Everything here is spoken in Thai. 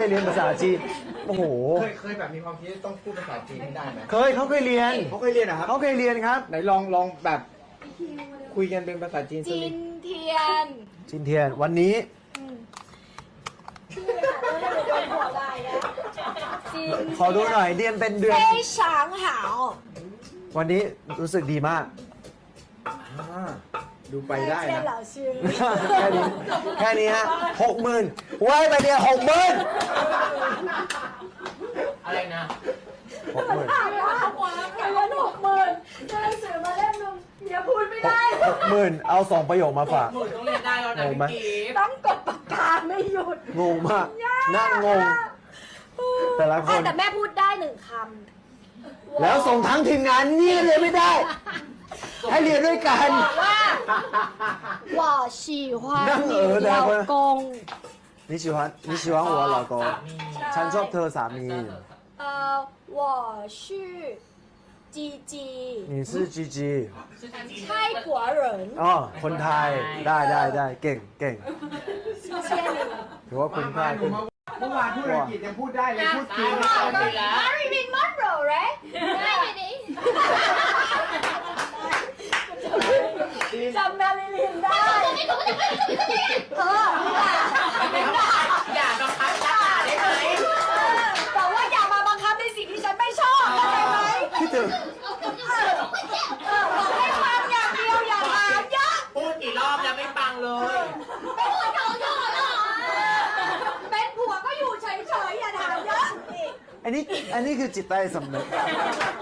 เรียนภาษาจีนโอ้โหเคยแบบมีความคิดต้องพูดภาษาจีนให้ได้ไหมเขาเคยเรียนนะครับเขาเคยเรียนครับไหนลองแบบคุยกันเป็นภาษาจีนสักจินิดนเทียนจินเทียนวันนี้ขอดูหน่อยเรียนเป็นเดือน非常好วันนี้รู้สึกดีมากดูไปได้นะ老师แค่นี้ฮะ60,000ไว้ไปเดียว60,000 อะไรนะ 60,000 ถามว่าหัวเงิน60,000จะหนังสือมาเล่มนึงเมียพูดไม่ได้ 60,000เอา2ประโยคมาฝากหนูต้องเรียนได้แล้วนะงงไหมพี่กิฟต์ต้องกดปากกาไม่หยุดงงมากนั่งงง แต่ละคนแต่แม่พูดได้1 คำแล้วส่งทั้งทีมงานนี่เรียนไม่ได้ ให้เรียนด้วยกันบอกว่า我喜欢你老公你喜欢我老公ฉันชอบเธอสามี我是จีจี你是จีจีไทยกัวเหรินอ๋อคนไทยได้เก่งเชียร์หนึ่งถือว่าคุณพลาดเมื่อวานพูดอังกฤษยังพูดได้เลยพูดจีนไม่เอาได้ไปแล้วมาริลินมอนโรเรได้ไหมดิจำมาริลินได้อย่าบังคับด่าได้ไหมแต่ว่าอย่ามาบังคับในสิ่งที่ฉันไม่ชอบเข้าใจไหมคิดถึงบอกให้ฟังอย่างเดียวอย่าถามเยอะพูดกี่รอบแล้วไม่ฟังเลยเป็นผัวก็อยู่เฉยๆอย่าถามเยอะอันนี้คือจิตใต้สำนึก